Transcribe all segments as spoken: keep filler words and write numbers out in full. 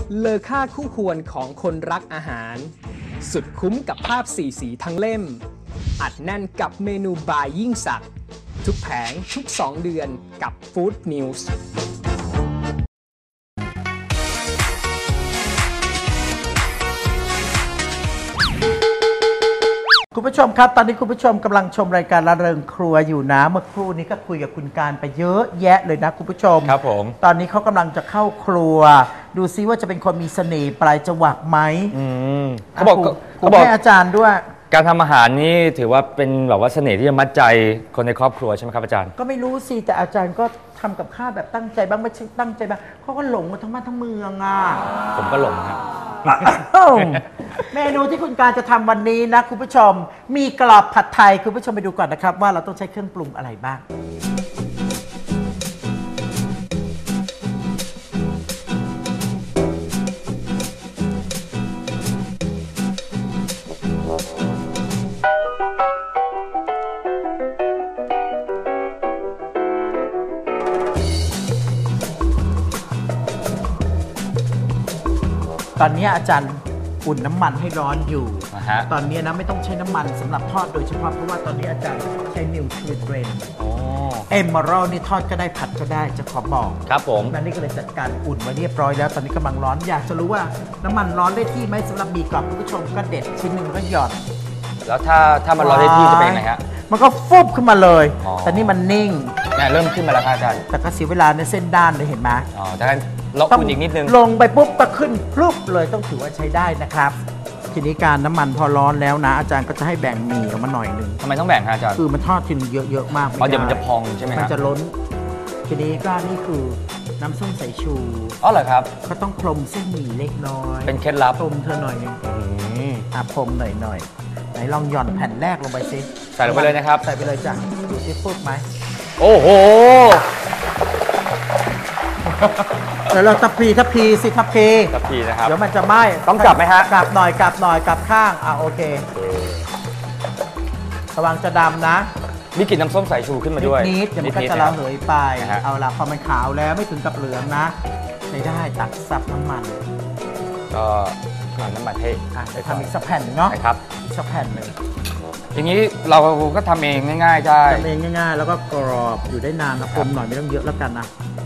เลอค่าคู่ควรของคนรักอาหารสุดคุ้มกับภาพสี่สีทั้งเล่มอัดแน่นกับเมนูบายยิ่งสักทุกแผงทุกสองเดือนกับ Food News คุณผู้ชมครับตอนนี้คุณผู้ชมกำลังชมรายการละเริงครัวอยู่นะเมื่อครู่นี้ก็คุยกับคุณการไปเยอะแยะเลยนะคุณผู้ชมครับผมตอนนี้เขากำลังจะเข้าครัวดูซิว่าจะเป็นคนมีเสน่ห์ปลายจวักไหมเขาบอกเขาบอกให้อาจารย์ด้วยการทำอาหารนี่ถือว่าเป็นแบบว่าเสน่ห์ที่จะมัดใจคนในครอบครัวใช่ไหมครับอาจารย์ก็ไม่รู้สิแต่อาจารย์ก็ทำกับข้าวแบบตั้งใจบ้างไม่ใช่ตั้งใจบ้างเขาก็หลงกันทั้งบ้านทั้งเมืองอ่ะผมก็หลงครับเมนูที่คุณการจะทำวันนี้นะคุณผู้ชมมีกรอบผัดไทยคุณผู้ชมไปดูก่อนนะครับว่าเราต้องใช้เครื่องปรุงอะไรบ้างตอนนี้อาจารย์อุ่นน้ำมันให้ร้อนอยู่ uh-huh. ตอนนี้นะไม่ต้องใช้น้ำมันสำหรับทอดโดยเฉพาะเพราะว่าตอนนี้อาจารย์ใช้นิวทริเบรนเอมเมอรัลนี่ทอดก็ได้ผัดก็ได้จะขอบอกครับผมนั่นนี่ก็เลยจัดการอุ่นไว้เรียบร้อยแล้วตอนนี้กำลังร้อนอยากจะรู้ว่าน้ำมันร้อนได้ที่ไหมสำหรับมีกรอบคุณผู้ชมก็เด็ดชิ้นหนึ่งก็หยอดแล้วถ้าถ้ามันร้อนได้ที่จะเป็นไงฮะมันก็ฟุบขึ้นมาเลยแต่นี่มันนิ่งเนี่ยเริ่มขึ้นมาแล้วครับอาจารย์แต่ก็เสียเวลาในเส้นด้านเลยเห็นไหมอ๋อดังนั้นล็อกอุ่นอีกนิดนึงลงไปปุ๊บก็ขึ้นพลุบเลยต้องถือว่าใช้ได้นะครับทีนี้การน้ำมันพอร้อนแล้วนะอาจารย์ก็จะให้แบ่งหมี่ออกมาหน่อยหนึ่งทำไมต้องแบ่งครับอาจารย์คือมันทอดทีนึงเยอะๆมากเพราะเดี๋ยวมันจะพองใช่ไหมครับมันจะล้นทีนี้ก็นี่คือน้ำส้มสายชูอ๋อเหรอครับก็ต้องพรมเส้นหมี่เล็กน้อยเป็นเคล็ดลับพรมเธอหน่อยนึงอ่ะพรมหน่อยหน่อยไหนลองหย่อนแผ่นแรกลงไปสิใส่ลงไปเลยนะครับใส่ไปเลยจ้ะดูสิฟุบไหมโอ้โหเดี๋ยวเราทับพีทับพีสิทับพีทับพีนะครับเดี๋ยวมันจะไหม้ต้องกลับไหมฮะกลับหน่อยกลับหน่อยกลับข้างอ่ะโอเคระวังจะดำนะมีกลิ่นน้ำส้มสายชูขึ้นมาด้วยนิดๆเดี๋ยวมันก็จะระเหยไปเอาละพอมันขาวแล้วไม่ถึงกับเหลืองนะใช้ได้ตักซับน้ำมันก็ทำน้ำมันให้จะทำอีกสักแผ่นเนาะครับอีกสักแผ่นหนึ่งอย่างนี้เราก็ทำเองง่ายๆได้ทำเองง่ายๆแล้วก็กรอบอยู่ได้นานนะคมหน่อยไม่ต้องเยอะแล้วกันนะ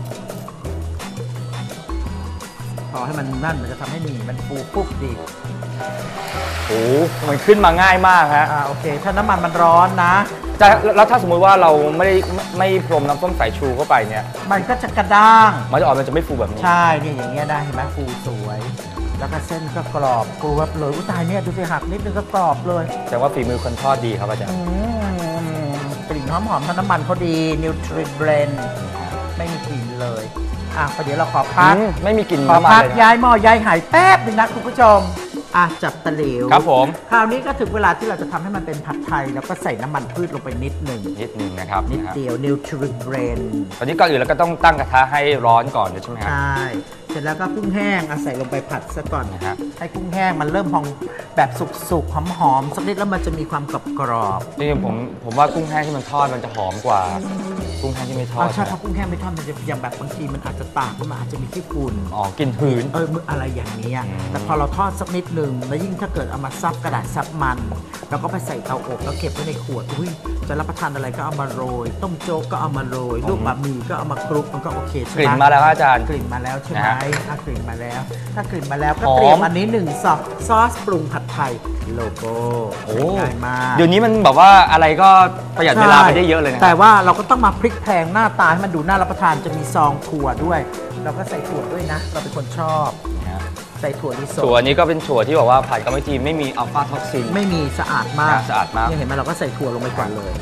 พอให้มันนั่นมันจะทำให้หมี่มันฟูปุ๊บดีโอ้มันขึ้นมาง่ายมากฮะอ่าโอเคถ้าน้ำมันมันร้อนนะจะแล้วถ้าสมมุติว่าเราไม่ได้ไม่พรมน้ำส้มสายชูเข้าไปเนี่ยมันก็จะกระด้างมันจะออกมันจะไม่ฟูแบบนี้ใช่เนี่ยอย่างเงี้ยได้เห็นไหมฟูสวยแล้วก็เส้นก็กรอบกรอบเลยอุ้ยตายเนี่ยดูสิหักนิดนึงก็กรอบเลยแต่ว่าฝีมือคนทอดดีครับอาจารย์กลิ่นหอมๆทั้งน้ำมันเขาดีนิวทริเบรนไม่มีกลิ่นเลยอ่ะเดี๋ยวเราขอพักไม่มีกลิ่นขอพักย้ายหม้อย้ายหายแป๊บนึงนะคุณผู้ชมอ่ะจับตะหลิวครับผมคราวนี้ก็ถึงเวลาที่เราจะทำให้มันเป็นผัดไทยแล้วก็ใส่น้ำมันพืชลงไปนิดหนึ่งนิดหนึ่งนะครับนิดเดียวนิวทริเบรนตอนนี้ก่อนอื่นเราก็ต้องตั้งกระทะให้ร้อนก่อนใช่ไหมครับใช่เสร็จแล้วก็กุ้งแห้งเอาใส่ลงไปผัดซะก่อนนะครับให้กุ้งแห้งมันเริ่มพองแบบสุกๆหอมๆสักนิดแล้วมันจะมีความกรอบๆจริงๆผมผมว่ากุ้งแห้งที่มันทอดมันจะหอมกว่ากุ้งแห้งที่ไม่ทอดใช่เพราะกุ้งแห้งไม่ทอดมันจะอย่างแบบบางทีมันอาจจะตากมันอาจจะมีขี้ฝุ่นอ๋อกลิ่นหืนเอออะไรอย่างนี้แต่พอเราทอดสักนิดหนึ่งแล้วยิ่งถ้าเกิดเอามาซับกระดาษซับมันแล้วก็ไปใส่เตาอบแล้วเก็บไว้ในขวดอุ้ยจะรับประทานอะไรก็เอามาโรยต้มโจ๊กก็เอามาโรยลูกบะหมี่ก็เอามาคลุกมันก็โอเคใช่ไหมกลิ่นมาแล้วอาจารย์กลิ่นมาแล้วใช่ไหมถ้ากลิ่นมาแล้วถ้ากลิ่นมาแล้วก็เตรียมอันนี้หนึ่งซอสซอสปรุงผัดไทยโลโก้ง่ายมากเดี๋ยวนี้มันแบบว่าอะไรก็ประหยัดเวลาไปได้เยอะเลยนะแต่ว่าเราก็ต้องมาพลิกแพลงหน้าตาให้มันดูน่ารับประทานจะมีซองถั่วด้วยเราก็ใส่ถั่วด้วยนะเราเป็นคนชอบใส่ถั่วลิสงถั่วนี้ก็เป็นถั่วที่บอกว่าผ่านกรรมวิธีไม่มีอัลฟาท็อกซินไม่มีสะอาดมากสะอาดมากเห็นไหมเราก็ใส่ถั่วลงไปก่อนเลย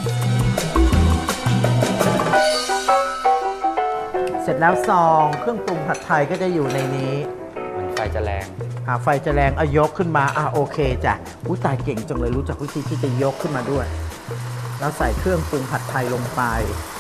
เสร็จแล้วซองเครื่องปรุงผัดไทยก็จะอยู่ในนี้มันไฟจะแรงอ่าไฟจะแรงเอายกขึ้นมาอ่าโอเคจ้ะอุ้ยตายเก่งจังเลยรู้จักวิธีที่จะยกขึ้นมาด้วยแล้วใส่เครื่องปรุงผัดไทยลงไป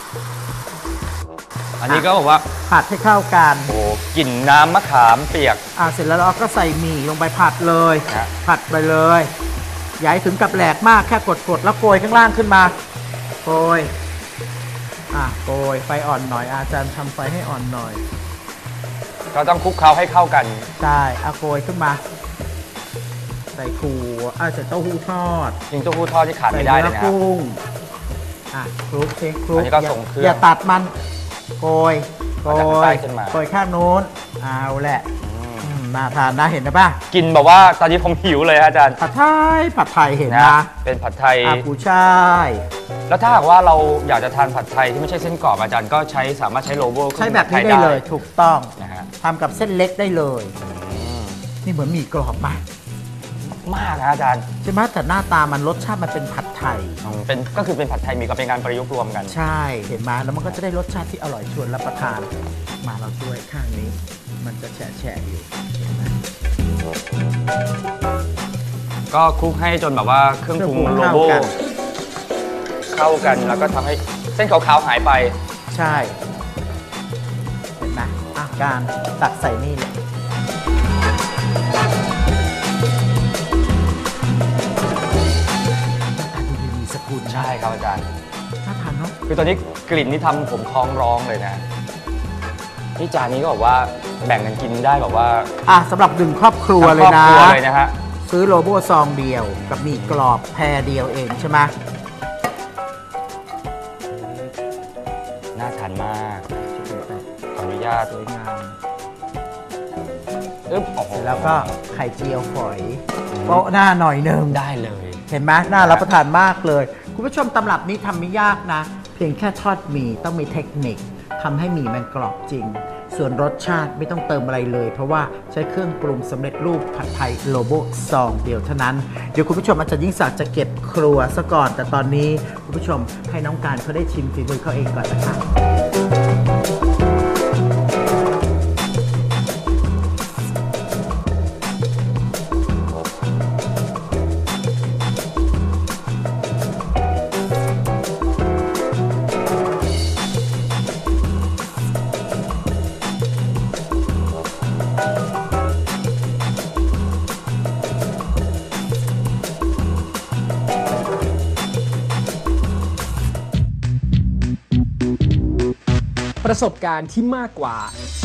อันนี้ก็บอกว่าผัดให้เข้ากันโอ้กลิ่นน้ำมะขามเปียกอ่าเสร็จแล้วเราก็ใส่หมี่ลงไปผัดเลยผัดไปเลยอย่าให้ถึงกับแหลกมากแค่กดๆแล้วโกยข้างล่างขึ้นมาโกยอ่ะโกยไฟอ่อนหน่อยอาจารย์ทำไฟให้อ่อนหน่อยก็ก็ต้องคลุกเคล้าให้เข้ากันใช่เอาโกยขึ้นมาใส่ถั่วอ่ะใส่เต้าหู้ทอดจริงเต้าหู้ทอดที่ขาดใส่ไม่ได้เนื้เลอยนะครับกุ้งอ่ะคลุกเช็คคลุกอันนี้ก็ส่งเครื่องอย่าตัดมันโกยโกเอาจากข้างใต้ยขึ้นมาโกยข้างโน้นเอาแหละอืมน่าทานนะเห็นนะป่ะกินแบบว่าตอนนี้ผมหิวเลยฮะอาจารย์ผัดไทยผัดไทยเห็นนะนะเป็นผัดไทยอากูช่ายแล้วถ้าหากว่าเราอยากจะทานผัดไทยที่ไม่ใช่เส้นกรอบอาจารย์ก็ใช้สามารถใช้โลโก้ใช้แบบนี้ได้เลยถูกต้องนะฮะทำกับเส้นเล็กได้เลย นี่เหมือนหมี่กรอบมากมากนะอาจารย์ใช่ไหมแต่หน้าตามันรสชาติมันเป็นผัดไทยอืมเป็นก็คือเป็นผัดไทยมีก็เป็นการประยุกต์รวมกันใช่เห็นไหมแล้วมันก็จะได้รสชาติที่อร่อยชวนรับประทาน มาเราช่วยข้างนี้ มันจะแฉะแฉะอยู่เห็นไหมก็คลุกให้จนแบบว่าเครื่องปรุงเครื่องปรุงโลโก้เข้ากันเข้ากันแล้วก็ทำให้เส้นขาวๆหายไปใช่ เห็นไหมอาการตักใส่นี่เลยอ่ะดูดีๆสกุลนะใช่ครับอาจารย์น่าทานเนาะคือตอนนี้กลิ่นนี่ทำผมท้องร้องเลยนะที่จานนี้ก็บอกว่าแบ่งกันกินได้แบบว่าอ่ะสำหรับหนึ่งครอบครัวทั้งเลครยอบนะครัวเลยนะฮะซื้อโลโบ้ซองเดียวกับหมี่กรอบแพรเดียวเองใช่ไหมน่าทานมากขออนุญาตสวยงามอึ๊บโอ้โหเสร็จแล้วก็ไข่เจียวฝอยโปะหน้าหน่อยหนึ่งได้เลยเห็นไหมน่ารับประทานมากเลย คุณผู้ชมตำรับนี้ทำไม่ยากนะ เพียงแค่ทอดหมี่ต้องมีเทคนิคทำให้หมี่มันกรอบจริง ส่วนรสชาติไม่ต้องเติมอะไรเลย เพราะว่าใช้เครื่องปรุงสำเร็จรูปผัดไทยโลโบซองเดียวเท่านั้น เดี๋ยวคุณผู้ชมอาจารย์ยิ่งศักดิ์จะเก็บครัวซะก่อน แต่ตอนนี้คุณผู้ชมให้น้องการเขาได้ชิมฝีมือเขาเองก่อนนะคะประสบการณ์ที่มากกว่า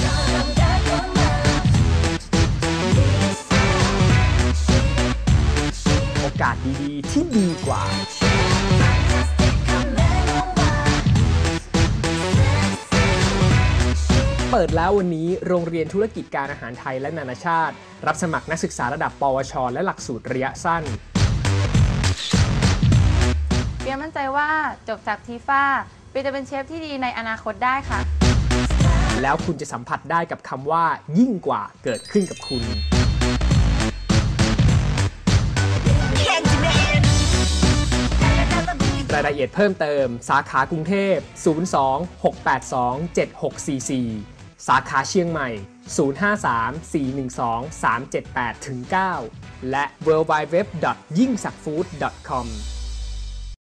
โอกาสดีๆที่ดีกว่า เปิดแล้ววันนี้โรงเรียนธุรกิจการอาหารไทยและนานาชาติ รับสมัครนักศึกษาระดับ ปวช และหลักสูตรระยะสั้นเปียมั่นใจว่าจบจากทีฟ้าเปียจะเป็นเชฟที่ดีในอนาคตได้ค่ะแล้วคุณจะสัมผัสได้กับคำว่ายิ่งกว่าเกิดขึ้นกับคุณ รายละเอียดเพิ่มเติมสาขากรุงเทพ ศูนย์ สอง หก แปด สอง เจ็ด หก สี่ สี่ สาขาเชียงใหม่ ศูนย์ ห้า สาม สี่ หนึ่ง สอง สาม เจ็ด แปด เก้า และ ดับเบิลยู ดับเบิลยู ดับเบิลยู ดอท ยิ่งศักดิ์ฟู้ด ดอท คอม